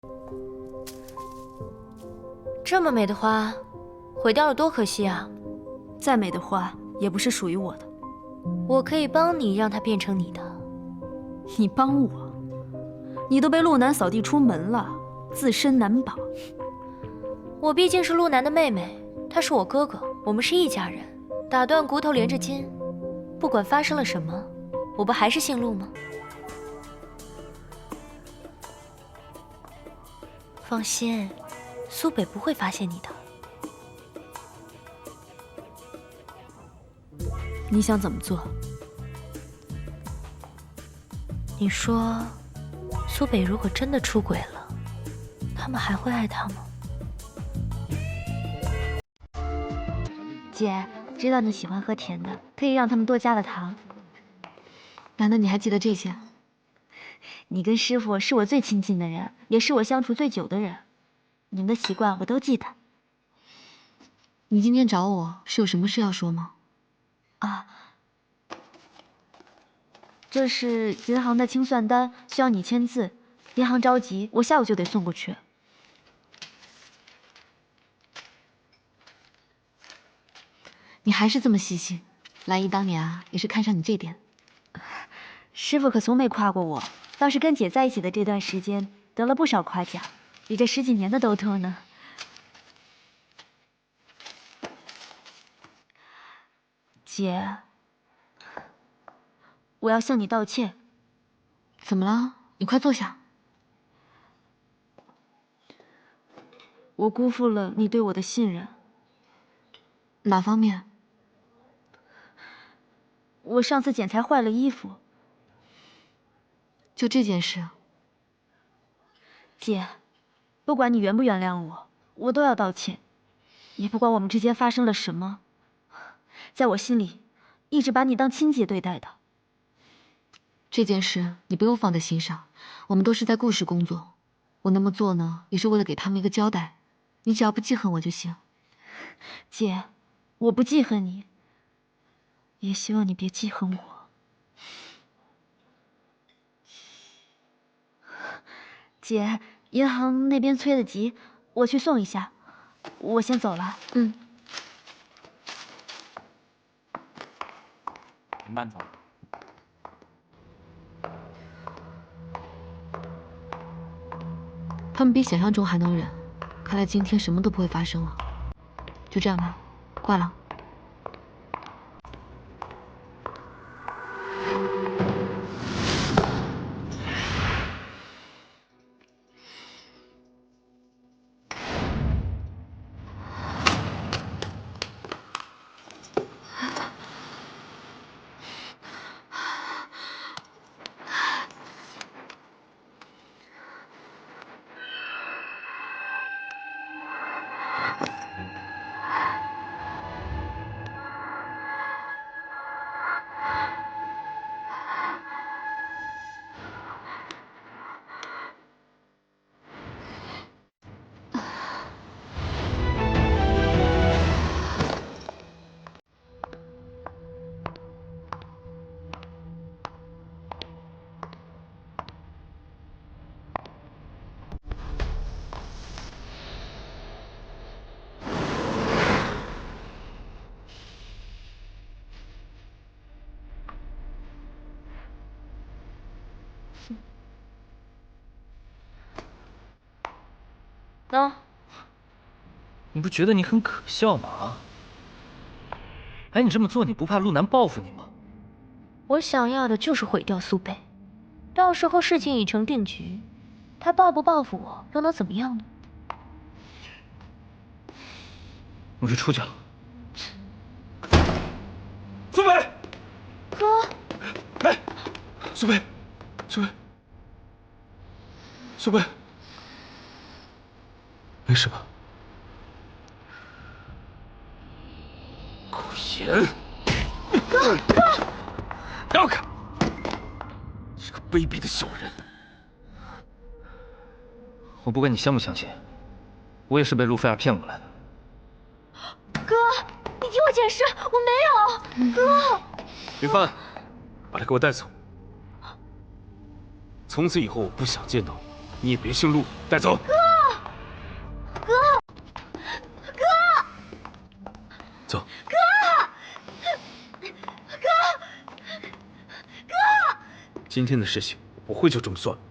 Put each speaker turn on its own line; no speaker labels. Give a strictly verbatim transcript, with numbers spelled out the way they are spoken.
这么美的花，毁掉了多可惜啊！
再美的花也不是属于我的。
我可以帮你让它变成你的。
你帮我？你都被陆南扫地出门了，自身难保。
我毕竟是陆南的妹妹，他是我哥哥，我们是一家人。打断骨头连着筋，不管发生了什么，我不还是姓陆吗？放心，苏北不会发现你的。
你想怎么做？
你说，苏北如果真的出轨了，他们还会爱他吗？
姐，知道你喜欢喝甜的，可以让他们多加了糖。
难道你还记得这些？
你跟师傅是我最亲近的人，也是我相处最久的人，你们的习惯我都记得。
你今天找我是有什么事要说吗？
啊，这是银行的清算单，需要你签字。银行着急，我下午就得送过去。
你还是这么细心，兰姨当年啊也是看上你这点。
师傅可从没夸过我，倒是跟姐在一起的这段时间得了不少夸奖，比这十几年的都多呢。姐，我要向你道歉。
怎么了？你快坐下。
我辜负了你对我的信任。
哪方面？
我上次剪裁坏了衣服。
就这件事。
姐，不管你原不原谅我，我都要道歉。也不管我们之间发生了什么，在我心里，一直把你当亲姐对待的。
这件事你不用放在心上，我们都是在故事工作。我那么做呢，也是为了给他们一个交代。你只要不记恨我就行。
姐，我不记恨你，也希望你别记恨我。姐，银行那边催得急，我去送一下。我先走了。
嗯。
你慢走。
他们比想象中还能忍，看来今天什么都不会发生了。就这样吧，挂了。
喏，
你不觉得你很可笑吗？啊？哎，你这么做，你不怕陆南报复你吗？
我想要的就是毁掉苏北，到时候事情已成定局，他报不报复我又能怎么样呢？
我去出去了。苏北，
哥，
哎，苏北，苏北，苏北，没事吧？苟言，
哥，哥，
让开！这个卑鄙的小人！我不管你相不相信，我也是被陆菲儿骗过来的。
哥，你听我解释，我没有。哥，
云帆，把他给我带走。从此以后，我不想见到你。 你也别姓陆，带走。哥，
哥，哥，
走。
哥，哥，哥，
今天的事情我会就这么算了。